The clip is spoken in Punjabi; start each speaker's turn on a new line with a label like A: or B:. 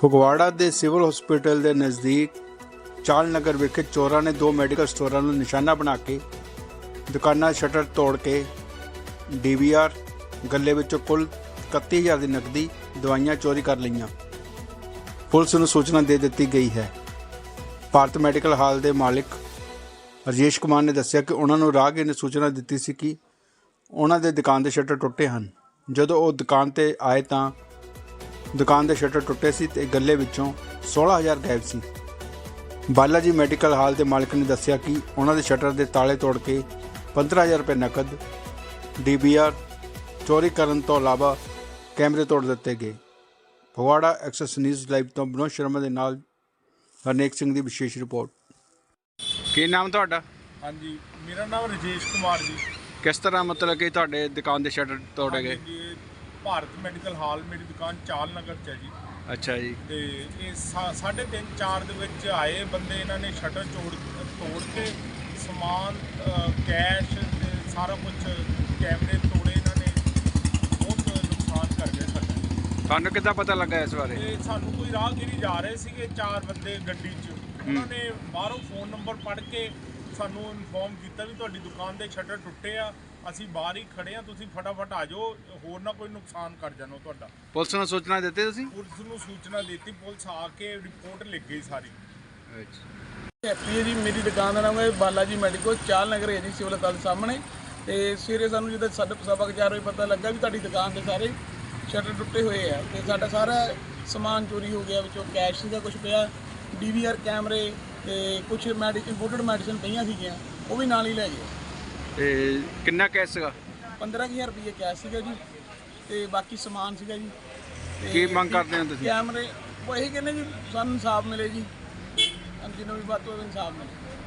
A: ਫਗਵਾੜਾ ਦੇ ਸਿਵਲ ਹਸਪੀਟਲ ਦੇ ਨਜ਼ਦੀਕ ਚਾਲ ਨਗਰ ਵਿਖੇ ਚੋਰਾਂ ਨੇ ਦੋ ਮੈਡੀਕਲ ਸਟੋਰਾਂ ਨੂੰ ਨਿਸ਼ਾਨਾ ਬਣਾ ਕੇ ਦੁਕਾਨਾਂ ਸ਼ਟਰ ਤੋੜ ਕੇ ਡੀਵੀਆਰ ਗੱਲੇ ਵਿੱਚੋਂ ਕੁੱਲ 31000 ਦੀ ਨਕਦੀ ਦਵਾਈਆਂ ਚੋਰੀ ਕਰ ਲਈਆਂ। ਪੁਲਿਸ ਨੂੰ ਸੂਚਨਾ ਦੇ ਦਿੱਤੀ ਗਈ ਹੈ। ਭਾਰਤ ਮੈਡੀਕਲ ਹਾਲ ਦੇ ਮਾਲਕ ਰਜੇਸ਼ ਕੁਮਾਰ ਨੇ ਦੱਸਿਆ ਕਿ ਉਹਨਾਂ ਨੂੰ ਰਾਹਗੀਰ ਨੇ ਸੂਚਨਾ ਦਿੱਤੀ ਸੀ ਕਿ ਉਹਨਾਂ ਦੇ ਦੁਕਾਨ ਦੇ ਸ਼ਟਰ ਟੁੱਟੇ ਹਨ। ਜਦੋਂ ਉਹ ਦੁਕਾਨ ਤੇ ਆਏ ਤਾਂ ਦੁਕਾਨ ਦੇ ਸ਼ਟਰ ਟੁੱਟੇ ਸੀ ਤੇ ਗੱਲੇ ਵਿੱਚੋਂ 16000 ਗਾਇਬ ਸੀ। ਬਾਲਾ ਜੀ ਮੈਡੀਕਲ ਹਾਲ ਦੇ ਮਾਲਕ ਨੇ ਦੱਸਿਆ ਕਿ ਉਹਨਾਂ ਦੇ ਸ਼ਟਰ ਦੇ ਤਾਲੇ ਤੋੜ ਕੇ 15000 ਰੁਪਏ ਨਕਦ ਡੀਵੀਆਰ ਚੋਰੀ ਕਰਨ ਤੋਂ ਇਲਾਵਾ ਕੈਮਰੇ ਤੋੜ ਦਿੱਤੇ ਗਏ। ਫਗਵਾੜਾ ਐਕਸੈਸ ਨਿਊਜ਼ ਲਾਈਵ ਤੋਂ ਵਿਨੋਦ ਸ਼ਰਮਾ ਦੇ ਨਾਲ ਹਰਨੇਕ ਸਿੰਘ ਦੀ ਵਿਸ਼ੇਸ਼ ਰਿਪੋਰਟ। ਕੀ ਨਾਮ ਤੁਹਾਡਾ?
B: ਹਾਂਜੀ, ਮੇਰਾ ਨਾਮ ਰਜੇਸ਼ ਕੁਮਾਰ ਜੀ।
A: ਕਿਸ ਤਰ੍ਹਾਂ ਮਤਲਬ ਕਿ ਤੁਹਾਡੇ ਦੁਕਾਨ ਦੇ ਸ਼ਟਰ ਤੋੜੇ ਗਏ?
B: ਜੀ, ਭਾਰਤ ਮੈਡੀਕਲ ਹਾਲ ਮੇਰੀ ਦੁਕਾਨ ਚਾਲ ਨਗਰ 'ਚ ਹੈ ਜੀ।
A: ਅੱਛਾ ਜੀ।
B: ਤੇ ਇਹ 3:30 4 ਦੇ ਵਿੱਚ ਆਏ ਬੰਦੇ, ਇਹਨਾਂ ਨੇ ਸ਼ਟਰ ਤੋੜ ਕੇ ਸਮਾਨ ਕੈਸ਼ ਤੇ ਸਾਰਾ ਕੁਝ ਕੈਮਰੇ ਤੋੜੇ। ਇਹਨਾਂ ਨੇ ਬਹੁਤ ਨੁਕਸਾਨ ਕਰ ਗਏ ਸਾਡਾ।
A: ਤੁਹਾਨੂੰ ਕਿੱਦਾਂ ਪਤਾ ਲੱਗਾ ਇਸ ਬਾਰੇ?
B: ਤੇ ਸਾਨੂੰ ਕੋਈ ਰਾਹਗੀਰੀ ਜਾ ਰਹੇ ਸੀਗੇ, 4 ਬੰਦੇ ਗੱਡੀ 'ਚ, ਉਹਨਾਂ ਨੇ ਬਾਹਰੋਂ ਫੋਨ ਨੰਬਰ ਪੜ੍ਹ ਕੇ ਸਾਨੂੰ ਇਨਫੋਰਮ ਕੀਤਾ ਵੀ ਤੁਹਾਡੀ ਦੁਕਾਨ ਦੇ ਸ਼ਟਰ ਟੁੱਟੇ ਆ, ਅਸੀਂ ਬਾਹਰ ਹੀ ਖੜੇ ਆ, ਤੁਸੀਂ ਫਟਾਫਟ ਆ ਜਾਓ, ਹੋਰ ਨਾ ਕੋਈ ਨੁਕਸਾਨ ਕਰ ਜਾਣੋ ਤੁਹਾਡਾ।
A: ਪੁਲਿਸ ਨੂੰ ਸੂਚਨਾ ਦਿੱਤੀ ਤੁਸੀਂ?
B: ਪੁਲਿਸ ਨੂੰ ਸੂਚਨਾ ਦਿੱਤੀ, ਪੁਲਿਸ ਆ ਕੇ ਰਿਪੋਰਟ ਲਿਖ ਗਈ ਸਾਰੀ।
A: ਅੱਛਾ।
C: ਹੈਪੀ ਹੈ ਜੀ, ਮੇਰੀ ਦੁਕਾਨ ਦਾ ਨਾਮ ਹੈ ਬਾਲਾ ਜੀ ਮੈਡੀਕਲ, ਚਾਲ ਨਗਰ ਹੈ ਜੀ, ਸਿਵਲ ਹਸਪਤਾਲ ਸਾਹਮਣੇ। ਤੇ ਸਵੇਰੇ ਸਾਨੂੰ ਜਦੋਂ 4:15 ਵਜੇ ਪਤਾ ਲੱਗਾ ਵੀ ਤੁਹਾਡੀ ਦੁਕਾਨ ਦੇ ਸਾਰੇ ਸ਼ਟਰ ਟੁੱਟੇ ਹੋਏ ਆ ਤੇ ਸਾਡਾ ਸਾਰਾ ਸਮਾਨ ਚੋਰੀ ਹੋ ਗਿਆ। ਵਿੱਚੋਂ ਕੈਸ਼ ਸੀਗਾ ਕੁਝ ਪਿਆ, ਡੀਵੀਆਰ ਕੈਮਰੇ ਤੇ ਕੁਝ ਇੰਪੋਰਟਡ ਮੈਡੀਸਨ ਪਈਆਂ ਸੀਗੀਆਂ, ਉਹ ਵੀ ਨਾਲ ਹੀ ਲੈ ਗਏ।
A: ਤੇ ਕਿੰਨਾ ਕੈਸ਼ ਸੀਗਾ?
C: 15000 ਰੁਪਏ ਕੈਸ਼ ਸੀਗਾ ਜੀ ਤੇ ਬਾਕੀ ਸਮਾਨ ਸੀਗਾ ਜੀ। ਤੇ
A: ਕੀ ਮੰਗ ਕਰਦੇ ਹੋ ਤੁਸੀਂ?
C: ਕੈਮਰੇ ਉਹ ਇਹੀ ਕਹਿੰਦੇ ਜੀ ਸਾਨੂੰ ਇਨਸਾਫ ਮਿਲੇ ਜੀ, ਜਿਹਨੂੰ ਵੀ ਬਾਤ ਹੋਵੇ ਇਨਸਾਫ ਮਿਲੇ।